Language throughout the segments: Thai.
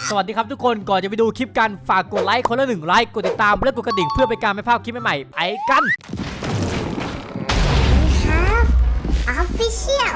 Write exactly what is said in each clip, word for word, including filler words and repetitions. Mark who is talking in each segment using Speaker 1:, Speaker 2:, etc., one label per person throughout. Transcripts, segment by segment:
Speaker 1: สวัสดีครับทุกคนก่อนจะไปดูคลิปกันฝากกดไลค์คนละหนึ่งไลค์กดติดตามและกดกระดิ่งเพื่อเป็นการไม่พลาดคลิปใหม่ๆไปกัน
Speaker 2: ครับ Official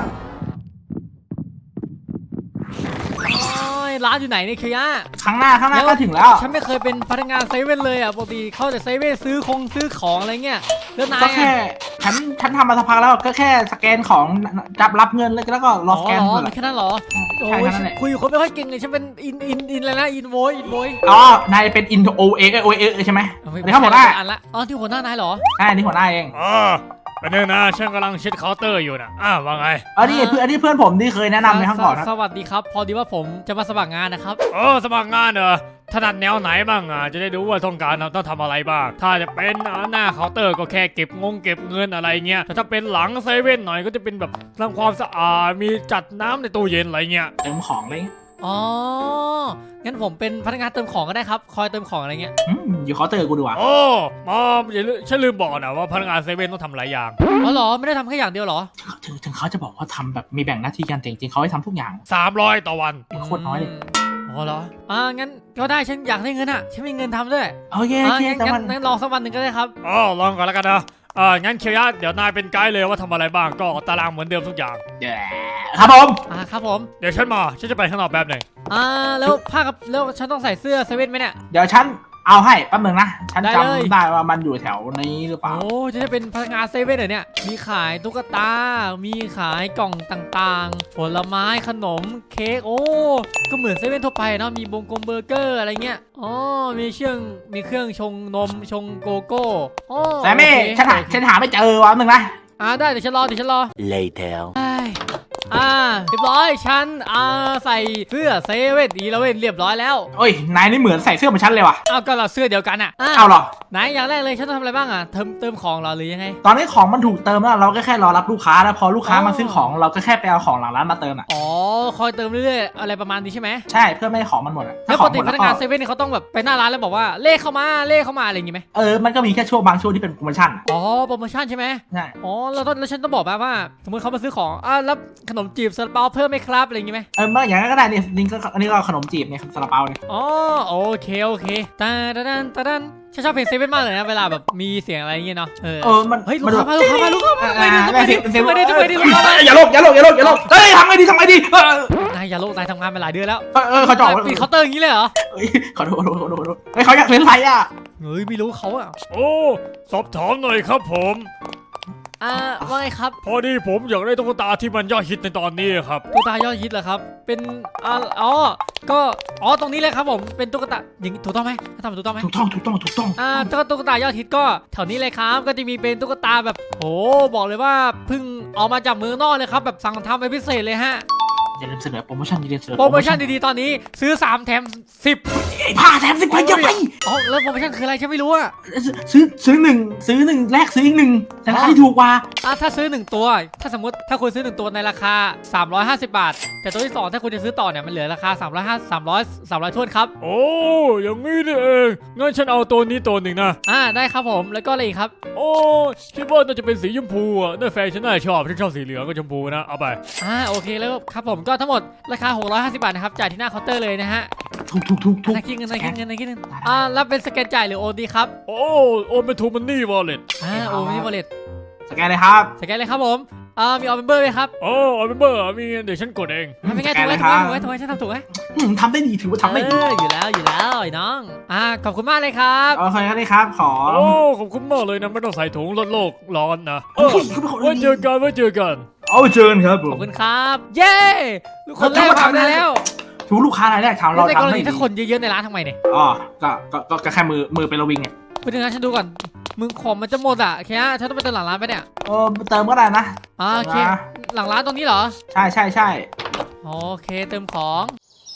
Speaker 1: ร้านอยู่ไหนเนี่ยคือย่า
Speaker 3: ข้างหน้าข้างหน้าก็ถึงแล้ว
Speaker 1: ฉันไม่เคยเป็นพนักงานเซเว่นเลยอ่ะปกติเข้าแต่เซเว่นซื้อคงซื้อของอะไรเงี้ยแล้วนาย
Speaker 3: ก็แค่ฉันฉันทำมาสักพักแล้วก็แค่สแกนของจับรับเงินแล้วก็รอสแกน
Speaker 1: อ๋อ
Speaker 3: เลย
Speaker 1: แค่นั้นเหรอโอ้
Speaker 3: ใช่
Speaker 1: ย
Speaker 3: แค่นั้นแหละ
Speaker 1: คุยอยู่คนไม่ค่อยเก่งเลยฉันเป็นอินอินอินอะไรนะอินโวยอินโวย
Speaker 3: อ๋อนายเป็นอินโอเอโอเอใช่ไหมอันนี้เขาหัวหน้า
Speaker 1: อันละอ๋อที่หัวหน้านายเหรอ
Speaker 3: ใช่อันนี้หัวหน้าเอง
Speaker 4: อ๋อเป็นเรื่องนะฉันกำลังเช็ดเคาน์เตอร์อยู่นะอ้าวว่าไง
Speaker 3: อันนี้เพื่อนอันนี้เพื่อนผมที่เคยแนะนำในข้างก่อนนะ
Speaker 1: สวัสดีครับพอดีว่าผมจะมาสมัครงานนะครับ
Speaker 4: เออสมัครงานเหรอถนัดแนวไหนบ้างอ่ะจะได้รู้ว่าต้องการต้องทำอะไรบ้างถ้าจะเป็นหน้าเคาน์เตอร์ก็แค่เก็บงงเก็บเงินอะไรเงี้ยแต่ถ้าเป็นหลังเซเว่นหน่อยก็จะเป็นแบบทำความสะอาดมีจัดน้ำในตู้เย็นอะไรเงี้ย
Speaker 3: เติมของเลย
Speaker 1: อ๋องั้นผมเป็นพนักงานเติมของก็ได้ครับคอยเติมของอะไรเงี้ย
Speaker 3: อยู่เคาน์เตอร์กูดีกว่า
Speaker 4: โอ้มอมอย่าลืมฉันลืมบอกนะว่าพนักงานเซเว่นต้องทำหลายอย่าง
Speaker 1: อ๋อเหรอไม่ได้ทำแค่อย่างเดียวเหรอ
Speaker 3: ถึงถึงเขาจะบอกว่าทำแบบมีแบ่งหน้าที่กันแต่จริงๆเขาให้ทำทุกอย่าง
Speaker 4: สามร้อยต่อวัน
Speaker 3: โคตรน้อยเลย
Speaker 1: อ๋อเหรออ่างั้นก็ได้ฉันอยากได้เงินอ่ะฉันมีเงินทำด้วย
Speaker 3: โอเคโอเค
Speaker 1: งั้นงั้นลองสักวันหนึ่งก็ได้ครับ
Speaker 4: อ๋อลองก่อนแล้วกันนะเอองั้นเคียร์เดี๋ยวนายเป็นไกด์เลยว่าทำอะไรบ้างก็ตารางเหมือนเดิมทุกอย่าง
Speaker 3: ครับผม
Speaker 1: อ่าครับผม
Speaker 4: เดี๋ยวฉันมาฉันจะไปข้างนอกแป๊บหนึ่ง
Speaker 1: อ่าแล้วผ้ากับแล้วฉันต้องใส่เสื้อเซเว่นไหมเนี่ย
Speaker 3: เดี๋ยวฉันเอาให้แป๊บนึงนะฉันจำได้ว่ามันอยู่แถวนี้หรือเปล่า
Speaker 1: โอ้จะได้เป็นพนักงานเซเว่นเหรอเนี่ยมีขายตุ๊กตามีขายกล่องต่างๆผลไม้ขนมเค้กโอ้ก็เหมือนเซเว่นทั่วไปเนาะมีบงกงเบอร์เกอร์อะไรเงี้ยอ๋อมีเครื่องมีเครื่องชงนมชงโกโก้
Speaker 3: โอ้แต่ไม่ฉันหาฉันหาไม่เจอวะนึงนะ
Speaker 1: อ่าได้เดี๋ยวฉันรอเดี๋ยวฉันรอ
Speaker 5: later
Speaker 1: อ่าเรียบร้อยฉันอ่าใส่เสื้อเซเว่นอีเลเว่นเรียบร้อยแล้ว
Speaker 3: โอ้ยนายนี่เหมือนใส่เสื้อเหมือนฉันเลยว่ะ
Speaker 1: อ้าวก็เราเสื้อเดียวกันอ่ะ
Speaker 3: เอาหรอ
Speaker 1: ไหนอย่างแรกเลยฉันต้องทำอะไรบ้างอ่ะเติมเติมของเราหรือยังไง
Speaker 3: ตอนนี้ของมันถูกเติมแล้วเราก็แค่รอรับลูกค้าแล้วพอลูกค้ามาซื้อของเราก็แค่ไปเอาของหลังร้านมาเติมอ่ะ
Speaker 1: อ๋อคอยเติมเรื่อยๆอะไรประมาณนี้ใช่ไหม
Speaker 3: ใช่เพื่อไม่ให้ของมันหมดอ่ะ
Speaker 1: แล้วปกติพนักงานเซเว่นนี่เขาต้องแบบไปหน้าร้านแล้วบอกว่าเลขเข้ามาเลขเข้ามาอะไรอย่างงี้ไหม
Speaker 3: เออมันก็มีแค่ช่วงบางช่วงที่เป็นโปรโมชั่น
Speaker 1: อ๋อโปรโมชั่นใช่ไหม
Speaker 3: ใช่
Speaker 1: อ๋อแล้วแล้วฉันต้องบอกแบบว่าสมมติเขามาซื้อของอ่าแล้วขนมจีบซาลาเปาเพิ่มไหมครับอะไรอย่างงี้ไหม
Speaker 3: เออเมื่ออย่างนั้นก็ได้เนี่ยนี่ก็อันนี้ก็ขนมจีบเนี่ยซาลาเปาเนี่ย
Speaker 1: อ๋อโอเคโอเคตาดันตาดันฉันชอบเพลงเซเว่นมากเลยนะเวลาแบบมีเสียงอะไรอย่างเงี้ยเนาะเออ
Speaker 3: เออมัน
Speaker 1: เฮ้ยลูกค้ามาลูกค้ามาลูกค้ามาไปดิไปดิไปดิไปดิลูกค้า
Speaker 3: อย่าโลกอย่าโลกอย่าโลกอย่าโลกเฮ้ยทำไงดีทำไงดี
Speaker 1: นายอย่าโลกนายทำงานมาหลายเดือนแล้ว
Speaker 3: เออเขาจ่อ
Speaker 1: ปิดเคาน์เตอร์อย่างนี้เลยเหรอ
Speaker 3: ขอโทษขอโทษขอโทษเฮ้ยเขาอยากเล่นไรอ่ะ
Speaker 1: เฮ้ยไม่รู้เขาอ่ะ
Speaker 4: โอ้สอบถามหน่อยครับผม
Speaker 1: อ่าว่าไงครับ
Speaker 4: พอดีผมอยากได้ตุ๊กตาที่มันยอดฮิตในตอนนี้ครับ
Speaker 1: ตุ๊กตายอดฮิตเหรอครับเป็นอ่าอ๋อก็อ๋อตรงนี้เลยครับผมเป็นตุ๊กตาอย่างถูกต้องไหมทำถูกต้องไหม
Speaker 3: ถูกต้องถูกต้องถูกต้อง
Speaker 1: อ่าตุ๊กตายอดฮิตก็แถวนี้เลยครับก็จะมีเป็นตุ๊กตาแบบโอ้บอกเลยว่าเพิ่งเอามาจากเมืองนอกเลยครับแบบสั่งทำเป็นพิเศษเลยฮะ
Speaker 3: อย่าลืมเสนอโปรโมชั่นดีๆเสนอ
Speaker 1: โปรโมชั่นดีๆตอนนี้ซื้อสามแถมสิบ
Speaker 3: ผ้าแถมสิบไปเยอะไป
Speaker 1: อ๋อแล้วโปรโมชั่นคืออะไรฉันไม่รู้อะ
Speaker 3: ซื้อซื้อหนึ่งซื้อหนึ่งแลกซื้ออีกหนึ่งแต่ราคาที่ถูกกว่า
Speaker 1: อ่ะถ้าซื้อหนึ่งตัวถ้าสมมติถ้าคุณซื้อหนึ่งตัวในราคาสามร้อยห้าสิบบาทแต่ตัวที่สองถ้าคุณจะซื้อต่อเนี่ยมันเหลือราคาสามร้อยห้า สามร้อย สามร้อยถ้วนครับ
Speaker 4: โอ้อย่างนี้นี่เองงั้นฉันเอาตัวนี้ตัวหนึ่งนะ
Speaker 1: อ่าได้ครับผมแล้วก็อะไรอีกครับ
Speaker 4: โอ้คิดว่าน่าจะเป็นสีชมพูอ่ะน่าแฟนฉันน่าชอบฉันชอบสีเหลืองกับชมพูนะเอาไป
Speaker 1: อ่าโอเคแล้วครับผมก็ทั้งหมดราคาหกร้อยห้าสิบบาทนะครับจ่ายที่หน้าเคาน์เตอร์เลยนะฮะ
Speaker 3: ถูกถูกถูกถูก
Speaker 1: นายคิดเงินนายคิดเงินนายคิดเงินอ่าแล้วเป็นสแกนจ่ายหรือโอนดีครับ
Speaker 4: โอ้โอนเป็นทูมันนี่วอลเล็ต
Speaker 1: อ่าโอนเป็นวอลเล็ต
Speaker 3: สแกนเลยครับ
Speaker 1: สแกนเลยครับผมอ่ามีออเมมเบอร์ไหมครับ
Speaker 4: โอ้ออเมมเบอร์มีเดี๋ยวฉันกดเอง
Speaker 1: ทำยังไงถูกไหมถูกไหมถูกไหมถูกไหมฉันทำถูกไหม
Speaker 3: ทำได้ดีถือว่าทำได้ดี
Speaker 1: อยู่แล้วอยู่แล้วไอ้น้องอ่าขอบคุณมากเลยครับ
Speaker 3: โอเคครับขอ
Speaker 4: โอ้ขอบคุณมากเลยนะไม่ต้องใส่ถุงลดโลกร้อนนะไว้เจอกันไว้เจอกัน
Speaker 3: เอาเจอกันครับผม
Speaker 1: ขอบคุณครับเย้ลูกคนแรกทำได้แล้ว
Speaker 3: ถูกลูกค้ารายแรกทำเรา
Speaker 1: ในกรณีถ้าคนเยอะๆในร้านทำไมเนี่ย
Speaker 3: อ๋อก็ก็ก็แค่มือมือเป็นระวิงไง
Speaker 1: ไปดูนะฉันดูก่อนมึงของมันจะหมดอ่ะแค่ฉันต้องไปเติมหลังร้านไปเนี่ย
Speaker 3: เออเติมก็ได้นะ
Speaker 1: อ่าโอเคหลังร้านตรงนี้เหรอ
Speaker 3: ใช่ใช่ใช่
Speaker 1: โอเคเติมของ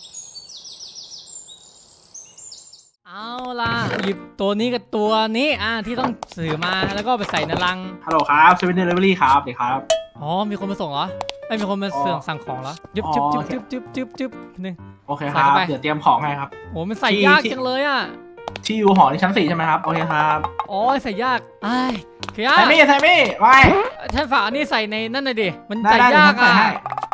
Speaker 1: เอาล่ะหยิบตัวนี้กับตัวนี้อ่าที่ต้องสื่อมาแล้วก็ไปใส่ในลัง
Speaker 3: ฮัลโหลครับเซเว่นเดลิเวอรี่ครับเด็กครับ
Speaker 1: อ๋อมีคนมาส่งเหรอไม่มีคนมาเสื่องสั่งของเหรอจึ๊บจึ๊บจึ๊บจึ๊บจึ๊บจึ๊บจึ๊บนึง
Speaker 3: โอเคครับเดี๋ยวเตรียมของให้ครับ
Speaker 1: โอ้มันใส่ยากจังเลยอ่ะ
Speaker 3: ที่อยู่หอที่ชั้นสี่ใช่ไหมครับโอเคครับ
Speaker 1: อ๋อใส่ยากไอ้
Speaker 3: ใส่ไม่ใส่ไม่ไว้
Speaker 1: ฉันฝากอันนี้ใส่ในนั่นหน่อยดิมันใส่ยากอ่ะ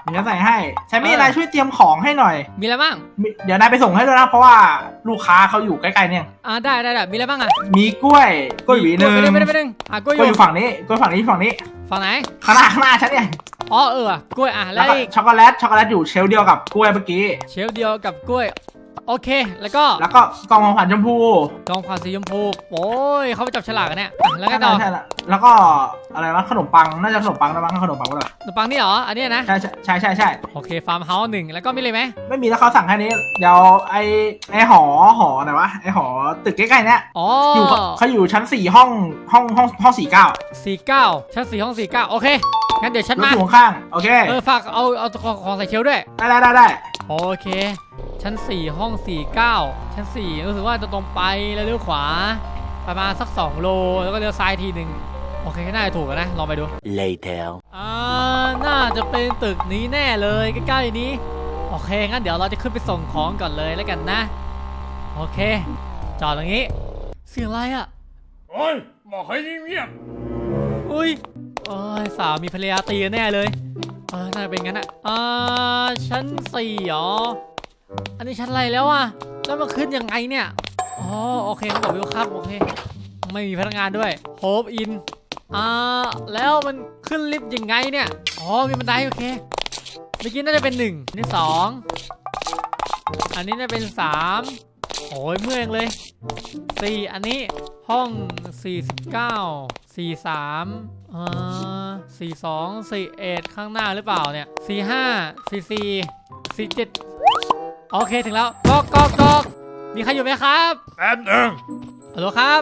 Speaker 3: เดี๋ยวใส่ให้แซมมี่
Speaker 1: เออ
Speaker 3: นายช่วยเตรียมของให้หน่อย
Speaker 1: มีอะไรบ้าง
Speaker 3: มีเดี๋ยวนายไปส่งให้ด้วยนะเพราะว่าลูกค้าเขาอยู่ใกล้ๆเนี่ย
Speaker 1: อ่าได้ได้ได้มีอะไรบ้างอ่ะ
Speaker 3: มีกล้วยกล้วยหวีหนึ่ง
Speaker 1: ไม่ได้ไม่ได้ไม่ได้อ่ะกล้วย
Speaker 3: กล้วยอ
Speaker 1: อยู่
Speaker 3: ยู่ฝั่งนี้กล้วยฝั่งนี้ฝั่งนี้
Speaker 1: ฝั่งไหน
Speaker 3: ข้างหน้าข้างหน้าฉันเนี่ย
Speaker 1: อ๋อเออว่ะกล้วยอ่ะแล้
Speaker 3: แล้ว วก็
Speaker 1: อีก
Speaker 3: ช็อกโกแลตช็อกโกแลตอยู่เชลฟ์เดียวกับกล้วยเมื่อกี้
Speaker 1: เชลฟ์เดียวกับกล้วยโอเค แล้วก็
Speaker 3: แล้วก็กล่องของขวัญชมพู
Speaker 1: กองความสีชมพูโอ้ยเขาไปจับฉลากกันเนี่ยอ่ะแล้วก็ต่อ
Speaker 3: ใช่แล้วแล้วก็อะไรวะขนมปังน่าจะขนมปังนะมั้งขนมปังก็เลย
Speaker 1: ขนมปังนี่เหรออันเนี้ยนะ
Speaker 3: ใช่ใช่ใช่ใช่ใช่
Speaker 1: โอเคฟาร์มเฮาส์หนึ่งแล้วก็มีอะไรไหม
Speaker 3: ไม่มีแล้วเขาสั่งแค่นี้เดี๋ยวไอไอหอหอไหนวะไอหอตึกใกล้ๆเนี้ย
Speaker 1: อ๋อ
Speaker 3: อยู่เขาอยู่ชั้นสี่ห้องห้องห้องห้องสี่เก้า
Speaker 1: สี่เก้าชั้นสี่ห้องสี่เก้าโอเคงั้นเดี๋ยวฉัน
Speaker 3: รถ
Speaker 1: มา
Speaker 3: อยู่ข้างๆโอเค
Speaker 1: เออฝากเอาเอาของของใส่เชลฟ์ด้วย
Speaker 3: ได้ได้ได้ได้
Speaker 1: โอเค ชั้นสี่ห้องสี่เก้าชั้นสี่รู้สึกว่าจะตรงไปแล้วเลี้ยวขวาประมาณสักสองโลแล้วก็เลี้ยวซ้ายทีหนึ่งโอเคน่าจะถูกกันนะลองไปดู
Speaker 5: Later.
Speaker 1: อ่าน่าจะเป็นตึกนี้แน่เลยใกล้ๆนี้โอเคงั้นเดี๋ยวเราจะขึ้นไปส่งของก่อนเลยแล้วกันนะโอเคจอดตรงนี้เสียงอะไรอ่ะ
Speaker 4: โอ้ยบอกให้เงียบ
Speaker 1: อุ้ยโอ้ยสามีภรรยาตีกันแน่เลยเออน่าจะเป็นงั้นอ่ะอ่าชั้นสี่เหรออันนี้ชั้นอะไรแล้วอ่ะแล้วมันขึ้นยังไงเนี่ยอ๋อโอเคเขาบอกวิวครับโอเคไม่มีพนักงานด้วยโฮปอินอ่าแล้วมันขึ้นลิฟต์ยังไงเนี่ยอ๋อมีบันไดโอเคเมื่อกี้น่าจะเป็นหนึ่งอันนี้สองอันนี้น่าจะเป็นสามโอ้ยเมื่อยเลยสี่อันนี้ห้องสี่สิบเก้าสี่สามเอ่อสี่สองสี่เอ็ดข้างหน้าหรือเปล่าเนี่ยสี่ห้าสี่สี่สี่เจ็ดโอเคถึงแล้วก๊อกก๊อกก๊อกมีใครอยู่ไหมครับ
Speaker 4: ๆแป๊บหนึ่ง
Speaker 1: ฮัลโหลครับ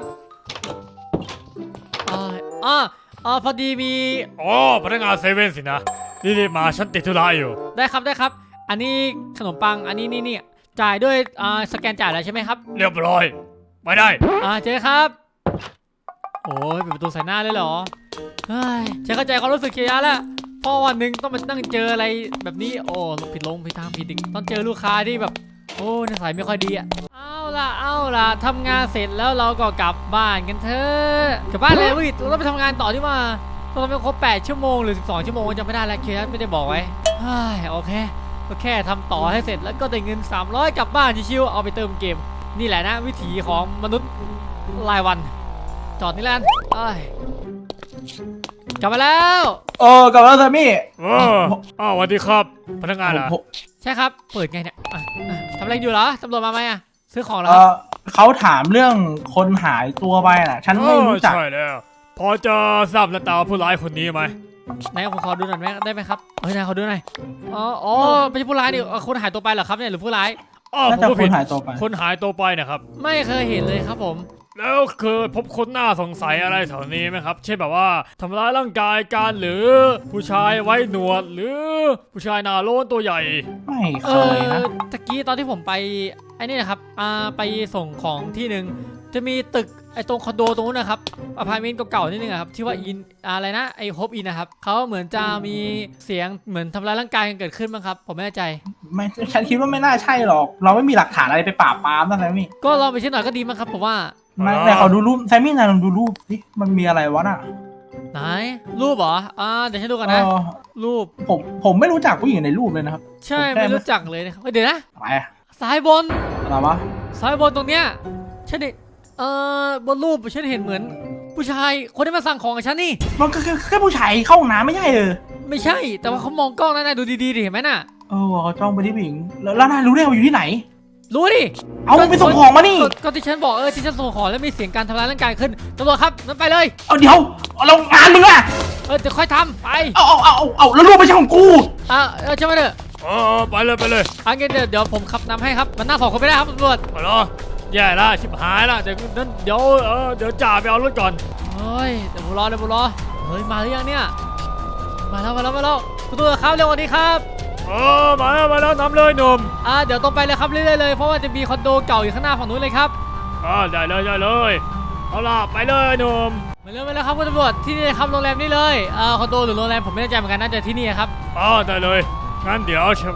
Speaker 1: อ๋ออ๋ออ๋อพอดีมี
Speaker 4: อ๋อพนักงานเซเว่นสินะรีบๆมาฉันติดธุระอยู่
Speaker 1: ได้ครับได้ครับ อันนี้ขนมปังอันนี้นี่นี่จ่ายด้วยอ่าสแกนจ่ายแล้วใช่ไหมครับ
Speaker 4: เรียบร้อยไปได้
Speaker 1: อ่าเจ๊ครับโอ้ยปิดประตูใส่หน้าเลยเหรอเฮ้ยฉันเข้าใจความรู้สึกเคียร์แล้วพอวันหนึ่งต้องมานั่งเจออะไรแบบนี้โอ้ผิดลงผิดทางผิดดิต้องเจอลูกค้าที่แบบโอ้นิสัยไม่ค่อยดีอ่ะเอาล่ะเอาล่ะทำงานเสร็จแล้วเราก็กลับบ้านกันเถอะกลับบ้านเลยวิเราต้องไปทำงานต่อที่ว่าต้องไปครบแปดชั่วโมงหรือสิบสองชั่วโมงจำไม่ได้แล้วเคียร์ไม่ได้บอกไว้เฮ้ยโอเคก็แค่ทำต่อให้เสร็จแล้วก็ได้เงินสามร้อยกลับบ้านชิวๆเอาไปเติมเกมนี่แหละนะวิถีของมนุษย์รายวันจอดนี่แล้วกันเอ้ยกลับมาแล้ว
Speaker 3: โอ้กลับมาแล้วแซมมี่
Speaker 4: เอออ้าวสวัสดีครับ พนักงานเหรอ
Speaker 3: ผม
Speaker 1: ใช่ครับ เปิดไงเนี่ยอ่ะอ่ะทำอะไรอยู่เหรอตำรวจมาไหมอ่ะซื้อของเหรอ
Speaker 3: เอ
Speaker 1: ครับ
Speaker 3: อเขาถามเรื่องคนหายตัวไปน่ะ ฉันไม่รู้จัก
Speaker 4: ใช่แล้ว พอจะทราบหน้าตาผู้ร้ายคนนี้ไหม
Speaker 1: ไหนผมขอดูหน่อยไหมได้ไหมครับเฮ้ยนายขอดูหน่อยอ๋ออ๋อไม่ใช่ผู้ร้ายนี่เอ่อคนหายตัวไปเหรอครับเนี่ยหรือผู้ร้าย
Speaker 4: อ้าว
Speaker 3: น่า
Speaker 4: ผม
Speaker 3: จะ
Speaker 4: ก็
Speaker 3: ค
Speaker 4: ผิ
Speaker 3: น
Speaker 4: ด
Speaker 3: หายตัวไป
Speaker 4: คนหายตัวไปนะครับ
Speaker 1: ไม่เคยเห็นเลยครับผม
Speaker 4: แล้วเคยพบคนน่าสงสัยอะไรแถวนี้ไหมครับ เช่นแบบว่าทำร้ายร่างกายกันหรือผู้ชายไว้หนวดหรือผู้ชายหน้าโล้นตัวใหญ่
Speaker 3: ไม่
Speaker 1: เอ
Speaker 3: เคยนะ
Speaker 1: อตะกี้ตอนที่ผมไปไอ้นี่นะครับอ่าไปส่งของที่หนึ่งจะมีตึกไอ้ตรงคอนโดตรงนู้นนะครับอพาร์ตเมนต์เก่าๆนิดนึงอะครับที่ว่าอินอะไรนะไอ้โฮปอินนะครับเขาเหมือนจะมีเสียงเหมือนทำร้ายร่างกายกันเกิดขึ้นบ้างครับผมไม่แน่ใจ
Speaker 3: ไม่ฉันคิดว่าไม่น่าใช่หรอก เราไม่มีหลักฐานอะไรไปปราบปรามนะแซมมี่
Speaker 1: ก็ลองไปเช็คหน่อยก็ดีมั้งครับผมว่า
Speaker 3: ไม่
Speaker 4: อ๋อ
Speaker 3: แต่เขาดูรูปแซมมี่นายลองดูรูปดิมันมีอะไรวะน่ะ
Speaker 1: ไหนรูปเหรออ่าเดี๋ยวฉันดูก่อน
Speaker 3: เอ
Speaker 1: นะ
Speaker 3: อ
Speaker 1: รูป
Speaker 3: ผมผมไม่รู้จักผู้หญิงในรูปเลยนะครับ
Speaker 1: ใช่
Speaker 3: ผมแค่
Speaker 1: ไม่รู้จักเลยนะครับเฮ้ยเดี๋ยวนะ
Speaker 3: อะไรอะ
Speaker 1: ซ้ายบน
Speaker 3: อะไรวะ
Speaker 1: ซ้ายบนตรงเนี้ยฉันเห็นเอ่อบนรูปฉันเห็นเหมือน ผู้ชายคนที่มาสั่งของกับฉันนี่
Speaker 3: มันก็แค่แค่ผู้ชายเข้าห้องน้ำไม่ใช่เออ
Speaker 1: ไม่ใช่ แต่ว่าเขามองกล้องนั่นนะดูดีๆดิเห็นไหมน่ะ
Speaker 3: เออเขาจ้องไปที่ผู้หญิงแล้วแล้วนายรู้ได้ไงว่าอยู่ที่ไหน
Speaker 1: รู้ดิ
Speaker 3: เอามึงไปส่งของมานี่
Speaker 1: ก็ก็ที่ฉันบอกเออที่ฉันส่งของแล้วมีเสียงการทำร้ายร่างกายขึ้นตำรวจครับนั่นไปเลย
Speaker 3: เอาเดี๋ยวเอาเรางานมึงอะ
Speaker 1: เออเดี๋ยวค่อยทำไป
Speaker 3: เอาเอาเอาเอาเอาแล้วรูปไม่ใช่ของกู
Speaker 1: อ่ะเออใช่ไหมเถอะ
Speaker 4: เออไปเลยไปเลย
Speaker 1: อันนี้เดี๋ยวเดี๋ยวผมขับนำให้ครับมันน่าสองคนไม่ได้ครับตำรวจ
Speaker 4: ไปเหรอแย่ละชิบหายละเดี๋ยวนั้นเดี๋ยวเออเดี๋ยวจ่าไปเอารถก่อน
Speaker 1: เฮ้ยเดี๋ยวผมรอเดี๋ยวผมรอเฮ้ยมาหรือยังเนี่ยมาแล้วมาแล้วมาแล้วคุณตำรวจครับเร็วกว่านี้ครับ
Speaker 4: เออมาแล้วมาแล้วนำเลยหนุ่ม
Speaker 1: อ่าเดี๋ยวตรงไปเลยครับเรื่อยๆเลยเพราะว่าจะมีคอนโดเก่าอยู่ข้างหน้าฝั่งนู้นเลยครับ
Speaker 4: อ่าได้เลยได้เลยเอาล่ะไปเลยหนุ่ม
Speaker 1: มาเร็วมาแล้วครับคุณตำรวจที่นี่ครับโรงแรมนี่เลยเอ่อคอนโดหรือโรงแรมผมไม่แน่ใจเหมือนกันน่าจะที่นี่ครับ
Speaker 4: อ๋อได้เลยงั้นเดี๋ยวฉัน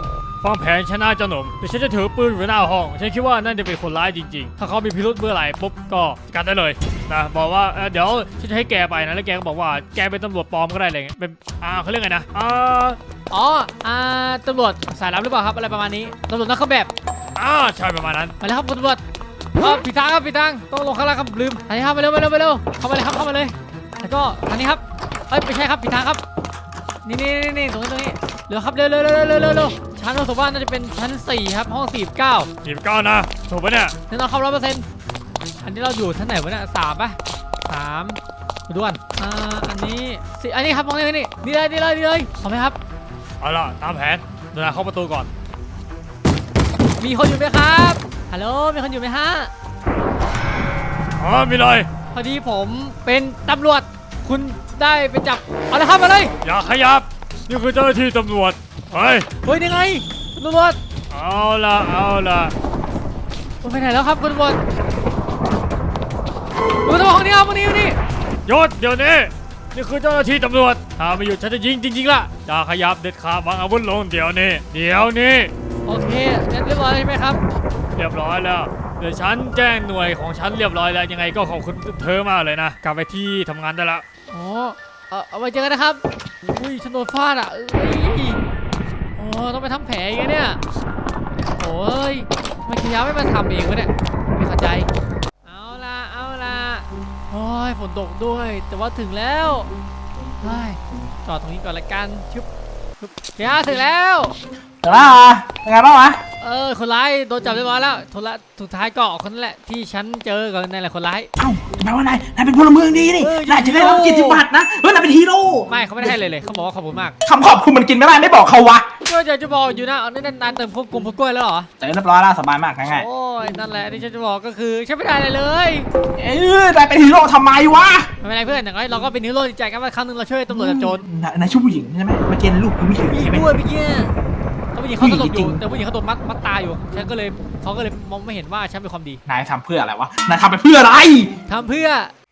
Speaker 4: ฟังแผนชนะเจ้าหนุ่มเดี๋ยวฉันจะถือปืนอยู่หน้าห้องฉันคิดว่านั่นจะเป็นคนร้ายจริงๆถ้าเขามีพิรุธเมื่อไหร่ปุ๊บก็จัดการได้เลยนะบอกว่าเดี๋ยวฉันจะให้แกไปนะแล้วแกก็บอกว่าแกเป็นตำรวจปลอมก็ได้เลยเป็นอ่าเขาเรียกไงนะอ่า
Speaker 1: อ๋ออ่าตำรวจสายลับหรือเปล่าครับอะไรประมาณนี้ตำรวจนักเครื่องแบบ
Speaker 4: อ่าใช่ประมาณนั้น
Speaker 1: มาแล้วครับคุณตำรวจอ๋อผิดทางครับผิดทางต้องลงข้างล่างครับลืมอันนี้ครับมาเร็วมาเร็วมาเร็วเข้ามาเลยครับเข้ามาเลยแล้วก็ทางนี้ครับเอ้ยไม่ใช่ครับผิดทางครับนี่นี่นี่นี่ตรงนี้ตรงนี้เร็วครับเร็วเร็วเร็วเร็วเร็วเร็วชั้นเราสมว่าน่าจะเป็นชั้นสี่ครับห้องสี่เก้า
Speaker 4: หยิบก้อนนะถูกปะเนี่ย
Speaker 1: แน่นอนครับร้อยเปอร์เซ็นต์อันนี้เราอยู่ชั้นไหนวะเนี่ยสามป่ะสามด่วนอ่าอันนี้สี่อันนี้ครับห้องนี้นี่นี่เลยนี่เลยนี่เลยพร้อมไหมครับ
Speaker 4: เอาล่ะตามแผนเดินเข้าประตูก่อน
Speaker 1: มีคนอยู่ไหมครับฮัลโหลมีคนอยู่ไหมฮะ
Speaker 4: อ๋อมีเลย
Speaker 1: พอดีผมเป็นตำรวจคุณได้ไปจับเอาเลยครับมาเลย
Speaker 4: อย่าขยับนี่คือเจ้าหน้าที่ตำรวจเฮ้ย
Speaker 1: เฮ้ยนี่ไงตำรวจ
Speaker 4: เอาล่ะเอาล่ะ
Speaker 1: คุณไปไหนแล้วครับคุณตำรวจคุณตำรวจห้องนี้ครับห้องนี้ห้องนี้
Speaker 4: หยุดเดี๋ยวนี้นี่คือเจ้าหน้าที่ตำรวจถ้าไม่หยุดฉันจะยิงจริงๆล่ะอย่าขยับเด็ดขาดวางอาวุธลงเดี๋ยวนี้เดี๋ยวนี้
Speaker 1: โอเคงั้นเรียบร้อยใช่ไหมครับ
Speaker 4: เรียบร้อยแล้วเดี๋ยวฉันแจ้งหน่วยของฉันเรียบร้อยแล้วยังไงก็ขอบคุณเธอมากเลยนะกลับไปที่ทำงานได้ละ
Speaker 1: อ๋อเออเอาไว้เจอกันนะครับอุ้ยฉันโดนฟาดอ่ะเอ้ยโอ้ต้องไปทำแผลอีกแล้วเนี่ยโอ้ยทำไมคิยาไม่มาทำเองวะเนี่ยไม่เข้าใจเอาละเอาละโอ้ยฝนตกด้วยแต่ว่าถึงแล้วเฮ้ยจอดตรงนี้ก่อนละกันชึบชึบเดี๋ยวถึงแล้ว
Speaker 3: เดี๋ยวนะเป็นไงบ้างวะ
Speaker 1: เออคนร้ายโดนจับเรียบร้อยแล้วทุละสุดท้ายก็คนนั่นแหละที่ฉันเจอก่อนนั่นแหละคนร้าย
Speaker 3: เอ้าแปลว่านายนายเป็นพลเมืองดีนี่
Speaker 1: เออ
Speaker 3: นายจะได้รับ
Speaker 1: ฮี
Speaker 3: เกียร
Speaker 1: โร่
Speaker 3: ติบัตรนะเฮ้ยนายเป็นฮีโร่
Speaker 1: ไม่เขาไม่ได้ให้เลยเลยเขาบอกว่าขอบคุณมาก
Speaker 3: คำขอบคุณมันกินไม่ได้ไม่บอกเขาวะ
Speaker 1: ก็จะจะบอกอยู่นะเอานั่นนานเติมพวกกลุ่มพวกกล้วยแล้วเหรอ
Speaker 3: เจอเรียบร้อยแล้วสบายมากง่าย
Speaker 1: โอ้ยนั่นแหละที่ฉันจะบอกก็คือฉันไม่ได้อะไรเลย
Speaker 3: ๆเอ้ยนายเป็นฮีโร่ทำไมวะ
Speaker 1: ไม่เป็นไรเพื่อนอย่างน้อยเราก็เป็นฮีโร่ดีใจกันว่าครั้งหนึงเราช่วยตำรวจจับโจร
Speaker 3: นายนายชื่อผู้หญิงใช่ไหมเมื่อกี้ลูกคุณผู้หญิง
Speaker 1: มี
Speaker 3: ใช่ไหม
Speaker 1: ด้วยเมื่อกี้แต่ผู้หญิงเขาตลบอ
Speaker 3: จริ
Speaker 1: ยู่
Speaker 3: ง
Speaker 1: แต่ผู้หญิงเขาโดนมัดมัดตาอยู่ฉันก็เลยเขาก็เลยมองไม่เห็นว่าฉันเป็นความดี
Speaker 3: นายทำเพื่ออะไรวะนายทำไปเพื่ออะไร
Speaker 1: ทำเพื่อ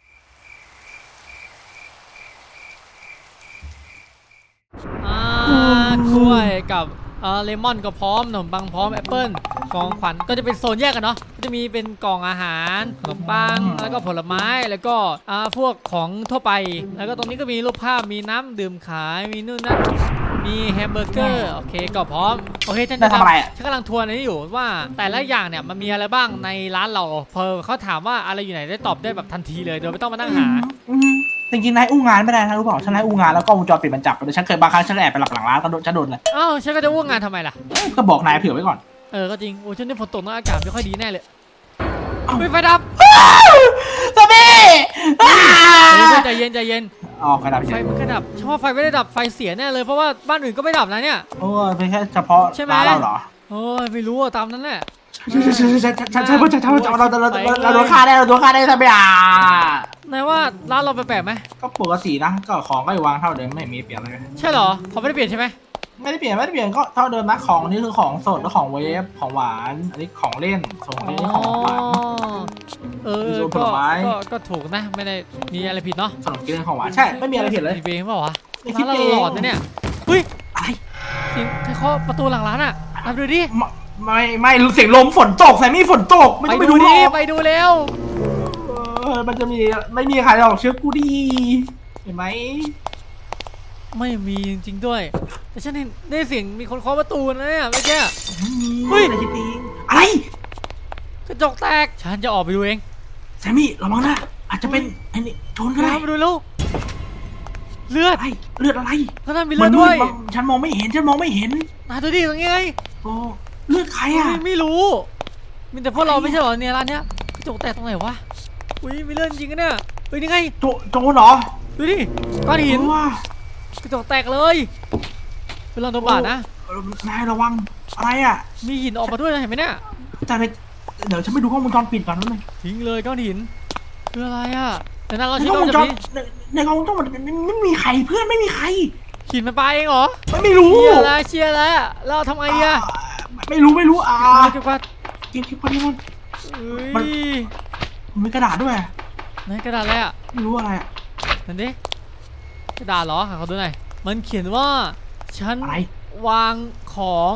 Speaker 1: อ่ากล้วยกับเอ่อเลมอนก็พร้อมขนมปังพร้อมแอปเปิ้ลกล่องขวัญก็จะเป็นโซนแยกกันเนาะก็จะมีเป็นกล่องอาหารขนมปังแล้วก็ผลไม้แล้วก็อ่าพวกของทั่วไป แล้วก็ตรงนี้ก็มีรูปภาพมีน้ำดื่มขายมีนู่นนั่นมีแฮมเบอร์เกอร์โอเคก็พร้อมโอเคฉัน
Speaker 3: นายทำอะไรอะ
Speaker 1: ฉันกำลังทวนอันนี้อยู่ว่าแต่ละอย่างเนี่ยมันมีอะไรบ้างในร้านเราพอเขาถามว่าอะไรอยู่ไหนได้ตอบได้แบบทันทีเลยโดยไม่ต้องมานั่งหา
Speaker 3: อืมจริงๆนายอู้งานไม่ได้นะรู้เปล่าฉันนายอู้งานแล้วก็วงจรปิดมันจับแต่ฉันเคยบางครั้งฉันแอบไปหลับหลังร้านก็โดนฉันโดนเลย
Speaker 1: อ้าวฉันก็จะว่างงานทำไมล่ะ
Speaker 3: ก็บอกนายเผื่อไว้ก่อน
Speaker 1: เออก็จริงโอ้ฉันนี่ฝนตกนะอากาศไม่ค่อยดีแน่เลย
Speaker 3: เอ้า
Speaker 1: ไม่ไฟดับ
Speaker 3: สามี
Speaker 1: เฮ้ยใจเย็นใจเย็น
Speaker 3: อ๋อไฟดับ
Speaker 1: ไฟ
Speaker 3: เฉย
Speaker 1: มันก็ดับฉันว่าไฟไม่ได้ดับไฟเสียแน่เลยเพราะว่าบ้านอื่นก็ไม่ดับนะเนี่ย
Speaker 3: โอ้ยเป็นแค่เฉพาะ
Speaker 1: ใช่ไหม
Speaker 3: ร้านเราเหรอ
Speaker 1: โอ้ยไม่รู้อะตามนั้นแหละ
Speaker 3: ใช่ใช่ใช่ใช่ใช่ใช่ใช่ใช่ใช่ใช่เราเราเราเราโดนฆ่าได้เราโดนฆ่าได้ทำไมอ่ะ
Speaker 1: นายว่าร้านเราแปลกๆไหม
Speaker 3: ก็ปกตินะก็ของก็วางเท่าเดิมไม่มีเปลี่ยนอะไร
Speaker 1: ใช่เหรอเขาไม่ได้เปลี่ยนใช่ไหม
Speaker 3: ไม่ได้เปลี่ยนไม่ได้เปลี่ยนก็เท่าเดิมนะของนี่คือของสดแล้วของเวฟของหวานอันนี้ของเล่นส่วนของ
Speaker 1: อ๋
Speaker 3: เล่นนี่ของหวาน
Speaker 1: อเออ
Speaker 3: มีโซนผ
Speaker 1: ก็
Speaker 3: ลไม้
Speaker 1: ก็ก็ถูกนะไม่ได้มีอะไรผิดเนาะ
Speaker 3: ขนมกินเล่นของหวานใช่ไม่มีอะไรผิดเลย
Speaker 1: ผิดเองเปล่าวะ
Speaker 3: ไม่คิ
Speaker 1: ร้า
Speaker 3: ด
Speaker 1: นเรา
Speaker 3: เอง
Speaker 1: หลอนนะเนี่ยเฮ้ย
Speaker 3: อะไร
Speaker 1: เสียงใครเคาะประตูหลังร้านอ่ะไปดูดิ
Speaker 3: ไม่ไม่ไม่เสียงลมฝนตกแซมมี่ฝนตกไม่ต้องไปดูหร
Speaker 1: ดิ
Speaker 3: อก
Speaker 1: ไปดูเร็ว
Speaker 3: เออมันจะมีไม่มีใครหรอกเชื่อกูดีเห็นไหม
Speaker 1: ไม่มีจริงๆด้วยแต่ฉันเห็นได้เสียงมีคนเคาะประตูนะเนี่ยเมื่อกี้
Speaker 3: ไม่มี
Speaker 1: เฮ้ย
Speaker 3: อะไรคิดเองอะไร
Speaker 1: กระจกแตกฉันจะออกไปดูเอง
Speaker 3: แซมมี่ระวังนะอาจจะเป็นไอ้นี่โจรก็ได้
Speaker 1: น้ำมาดูแล้วเลือด
Speaker 3: อะไรเลือดอะไร
Speaker 1: ข้างหน้ามีเลือดด้วย
Speaker 3: มันมืฉันมองไม่เห็นฉันมองไม่เห็น
Speaker 1: นาดูดิตรงนี้ไง
Speaker 3: โอ้เลือดใครอ่ะ
Speaker 1: ไม่ไม่รู้มีแต่พวกเราไม่ใช่เหรอเนี่ยร้านเนี้ยกระจกแตกตรงไหนวะอุ้ยมีเลือดจริงกันเนี่ยเฮ้ยนี่ไง
Speaker 3: โจโจรเหรอ
Speaker 1: ดูดิก้อนหิน
Speaker 3: เออว่ะ
Speaker 1: กระจกแตกเลยเป็นรอยโดนบาดนะ
Speaker 3: เออนายระวังอะไรอ่ะ
Speaker 1: มีหินออกมาด้วยนะเห็นไหมเนี่ย
Speaker 3: แต่ในเดี๋ยวฉันไปดูกล้องวงจรปิดก่อนนิดนึง
Speaker 1: ทิ้งเลยก้อนหินคืออะไรอ่ะแต่นั้นเรา
Speaker 3: ใน
Speaker 1: ใช้
Speaker 3: กล้อง
Speaker 1: ก้
Speaker 3: ว
Speaker 1: อน
Speaker 3: งจ
Speaker 1: แบบ
Speaker 3: ร
Speaker 1: นี้
Speaker 3: ในในกล้องวงจรปิดไม่ไม่มีใครเพื่อนไม่มีใคร
Speaker 1: หินมันไปเองเหรอ
Speaker 3: ไม่ไม่รู้
Speaker 1: เชียร์แล้วเชียร์แล้วเราทำไงอ่ะ
Speaker 3: ไม่รู้ไม่รู้อ่า
Speaker 1: เก็บกวาด
Speaker 3: เก็บเก็บคนนี้มัน
Speaker 1: เฮ้ย
Speaker 3: มันมีกระดาษด้วย
Speaker 1: ไหนกระดาษอะไรอ่ะ
Speaker 3: ไม่รู้อะไรอ่ะ
Speaker 1: นั่นดิกระดาษเหรอหาเขาดูหน่อยมันเขียนว่าฉัน
Speaker 3: อะไร
Speaker 1: วางของ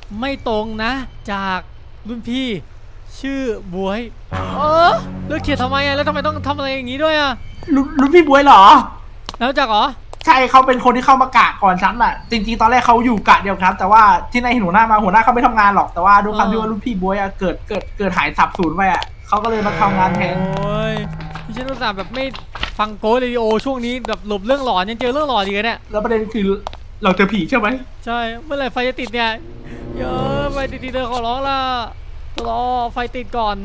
Speaker 1: ไม่ตรงนะ จากรุ่นพี่ชื่อบวยเออเลือกเขียนทำไมอะแล้วทำไมต้องทำอะไรอย่างนี้ด้วยอะ
Speaker 3: รุ่นรุ่นพี่บวยเหรอ
Speaker 1: แล้วจากเหรอ
Speaker 3: ใช่เขาเป็นคนที่เข้ามากะก่อนฉันอ่ะ จริงๆตอนแรกเขาอยู่กะเดียวครับ แต่ว่าที่นายเห็นหัวหน้ามาหัวหน้าเขาไม่ทำงานหรอกแต่ว่าด้วยความที่ว่ารุ่นพี่บวยอะเกิดเกิดเกิดหายสับสูญไปอ่ะเขาก็เลยมาทำงานแทน
Speaker 1: โอ้ยพี่ฉันอุตส่าห์แบบไม่ฟังโกสเรดิโอช่วงนี้แบบหลบเรื่องหลอนยังเจอเรื่องหลอนอีกเนี่ย
Speaker 3: แล้วประเด็นคือเราเจอผีใช่ไหม
Speaker 1: ใช่เมื่อไหร่ไฟจะติดเนี่ยเยอะไฟติดทีเดียวขอร้องละรอไฟติดก่อน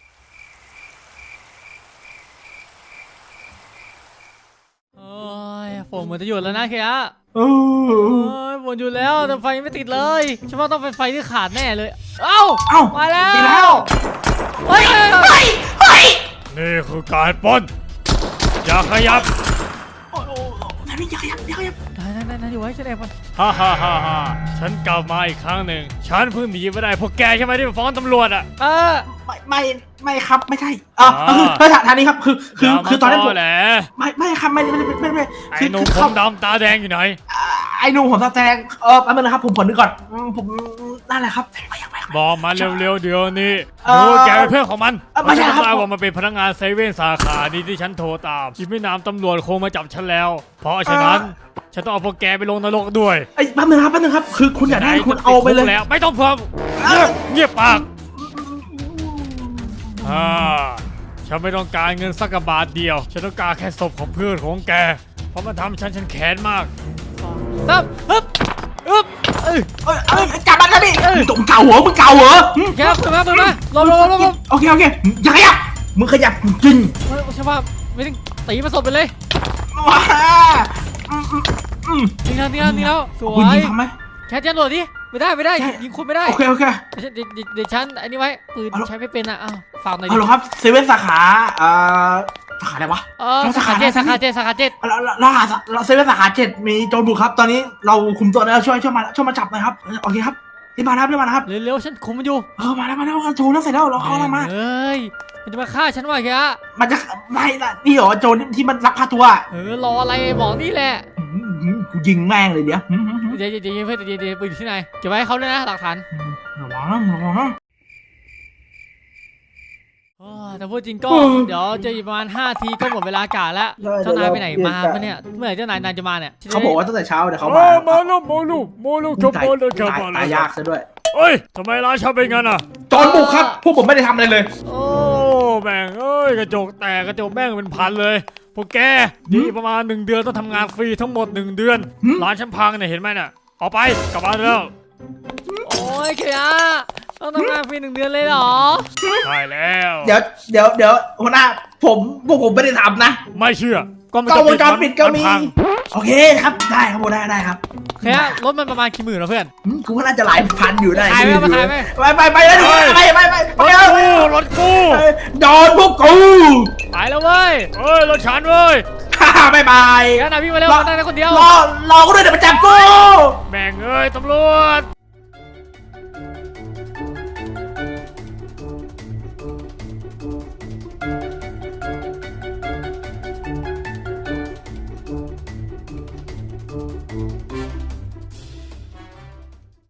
Speaker 1: โอ้ยฝนเหมือนจะหยุดแล้วนะเคียะ
Speaker 3: เอ
Speaker 1: โอ้
Speaker 3: อย
Speaker 1: ฝนหยุดแล้วแต่ไฟไม่ติดเลยฉันว่าต้องเป็นไฟที่ขาดแน่เลยเอ้า
Speaker 3: เอ้า
Speaker 1: มาแล้ว
Speaker 3: ดีแล้ว
Speaker 1: เฮ้ย
Speaker 3: เฮ้ยเฮ้ย
Speaker 4: นี่คือการปล้นอย่าขยับ
Speaker 3: โอ้โหนั่นนี่อย่าขยับอย่าขยับ
Speaker 1: ได้ได้ได้ได้อยู่ไว้ฉันแอบก่อน
Speaker 4: ฮ่าฮ่าฮ่าฮ่าฉันกลับมาอีกครั้งหนึ่งฉันเพิ่งหนีมาได้พวกแกใช่ไหมที่ไปฟ้องตำรวจอ่ะ
Speaker 1: เออ
Speaker 3: ไม่ไม่ไม่ครับไม่ใช่เออ
Speaker 4: อ่า
Speaker 3: คือคือทางนี้ครับคือคือคือตอนนั้นผม
Speaker 4: แหละ
Speaker 3: ไม่ไม่ครับไม่ไม่ไม่ไม่ไม่
Speaker 4: ไอ้
Speaker 3: คือ
Speaker 4: หนุ่ม
Speaker 3: คือ
Speaker 4: ผ
Speaker 3: เขา
Speaker 4: มดำตาแดงอยู่ไหน
Speaker 3: อ่าไอ้หนุ่มผมตาแดงเออแป๊บนึงนะครับผมผลนึกก่อนอืมผมนั่นแหละครับไม่อยากไม่อยาก
Speaker 4: บอกมาเร็วๆเดี๋ยวนี้
Speaker 3: เอ่
Speaker 4: ดู
Speaker 3: อ
Speaker 4: แกเป็นเพื่อนของมัน
Speaker 3: เอ่อไม่ใช่ครับ
Speaker 4: ทราบว่ามันเป็นพนักงานเซเว่นสาขานี้ที่ฉันโทรตามอีกไม่นานตำรวจคงมาจับฉันแล้ว เพราะฉะนั้นฉันต้องเอาพวกแกไปลงนรกด้วย
Speaker 3: ไอ้ยแป๊บนึงครับแป๊บนึงครับคือคุณอยากได้คุณเอาไปเลย
Speaker 4: แล้วไม่ต้องเพิ่มเงียบเงียบปากอ่าฉันไม่ต้องการเงินสักกะบาทเดียว ฉันต้องการแค่ศพของเพื่อนของแก เพราะมันทำฉันฉันแค้นมาก
Speaker 1: ซับฮึบฮึบเอ้ย
Speaker 3: เอ้ยเอ้ยจับมันครับพี่มึงตกเก่าเหรอมึงเก่าเหรอหึ
Speaker 1: แกเปิดมาเปิดมาลบลบลบลบ
Speaker 3: โอเคโอเคอย่าขยับมึงขยับจริง
Speaker 1: เฮ้ยใช่ป่ะไม่ต้องตีมาสดไปเลย
Speaker 3: ว้าอืมอืมอืม
Speaker 1: นี่แล้วนี่แล้วนี่แล้วสว
Speaker 3: คุณ
Speaker 1: ย
Speaker 3: ยิงทำไหม
Speaker 1: แคทยันโหลดดิไม่ได้ไม่ได้
Speaker 3: ใช่
Speaker 1: ยิงคุณไม่ได้
Speaker 3: โอเคโอเค
Speaker 1: เดี๋ยวเดี๋ยวเดี๋ยวเดี๋ยวฉันอันนี้ไว้ปืน
Speaker 3: เอาละ
Speaker 1: ใช้ไม่เป็นอ่ะอ้าวฝากหน่อย
Speaker 3: เอา
Speaker 1: ดิ
Speaker 3: เหรอครับเซเว่นสาขาเอ่อสาขาอะไรวะ
Speaker 1: เออ
Speaker 3: แล้ว
Speaker 1: สา
Speaker 3: สา
Speaker 1: ขา
Speaker 3: ขา
Speaker 1: เจ็ด
Speaker 3: ไหน
Speaker 1: สาขาเจ็ดสาขาเจ็ด
Speaker 3: เราเราเราหาเราเซเว่นสาขาเจ็ดมีโจรบุกครับ ตอนนี้เราคุมตัวแล้วช่วยช่วยมาช่วยมาจับหน่อยครับโอเคครับรีบมาครับรีบมานะครับ
Speaker 1: เร็วๆฉันคุมมันอยู่
Speaker 3: เออมาแล้วมาแล้วโจรแล้วเสร็จแล้วเราเข้าแล้วมา
Speaker 1: เฮ้ยมันจะมาฆ่าฉันว่ะแก
Speaker 3: มันจะไม่ละนี่เหรอโจรที่มันลักพาตัว
Speaker 1: เออรออะไรบอกนี่แหละ
Speaker 3: หืมหืมกูยิงแม่งเลยเดี๋ยวหืมหืมหืม
Speaker 1: เดี๋ยวเดี๋ยวเดี๋ยวเพื่อนเดี๋ยวเดี๋ยวปืนอยู่ที่ไหนเก็บไว้ให้เขาด้วยนะหลักฐาน
Speaker 3: ระวังนะระวังนะ
Speaker 1: โอ้ยแต่พูดจริงก็
Speaker 3: อืม
Speaker 1: เดี๋ยวจะอีกประมาณห้าทีก็หมดเวลากะแล้ว
Speaker 3: ได้
Speaker 1: เจ้านายไปไหน
Speaker 3: เดี๋ยว
Speaker 1: มา
Speaker 3: เรา
Speaker 1: ปะเนี่ยเมื่อไหร่เจ้านายนายจะมาเนี่ย
Speaker 3: เขาบอกว่าตั้งแต่เช้าเดี๋ยวเขา
Speaker 4: เอ
Speaker 3: มา
Speaker 4: อมาลูกมาลูกมาลูกจบ
Speaker 3: ตาย
Speaker 4: มาเลยจบ
Speaker 3: ตาย
Speaker 4: มาเล
Speaker 3: ตาย
Speaker 4: ย
Speaker 3: ยากซะด้วย
Speaker 4: เอ้ยทำไมร้านฉันเป็นงั้นอ่ะ
Speaker 3: โจรบุกครับ พวกผมไม่ได้ทำอะไรเลย
Speaker 1: โอ้
Speaker 4: แม่งเอ้ยกระจกแตกกระจกแม่งเป็นพันเลยพวกแกดีประมาณหนึ่งเดือนต้องทำงานฟรีทั้งหมดหนึ่งเดือน
Speaker 3: หืม
Speaker 4: ร้านฉันพังเนี่ยเห็นไหมน่ะออกไปกลับบ้านแล้ว
Speaker 1: โอ้ยเขียต้องทำงานฟรีหนึ่งเดือนเลยเหรอ
Speaker 4: ใช่แล้ว
Speaker 3: เดี๋ยวเดี๋ยวเดี๋ยวหัวหน้าผมพวกผมไม่ได้ทำนะ
Speaker 4: ไม่เชื่อก็มัน
Speaker 3: กล้องวงจร
Speaker 4: น
Speaker 3: ปิดก็มี
Speaker 4: นพัง
Speaker 3: โอเคครับได้ครับผมได้ได้ครับ
Speaker 1: เขียรถมันประมาณกี่หมื่นวะเพื่อน
Speaker 3: หืมกูว่าน่าจะหลายพันอยู่ได้
Speaker 1: ขายไหมมาขายไหม
Speaker 3: ไปไปไปแล้วไปไปไปไป
Speaker 4: รถ
Speaker 3: ไป
Speaker 4: กูรถกู
Speaker 3: โดนพวกกู
Speaker 1: ไปแล้วเว้ย
Speaker 4: เอ้ยรถฉันเว้ย
Speaker 3: ฮ่าฮ่าบายบาย
Speaker 1: แกนายพี่งมาเร็ว
Speaker 3: รอ
Speaker 1: นายคนเดียว
Speaker 3: รอรอกูด้วยเดี๋ยวมาจับกู
Speaker 4: แม่งเอ้ยตำรวจ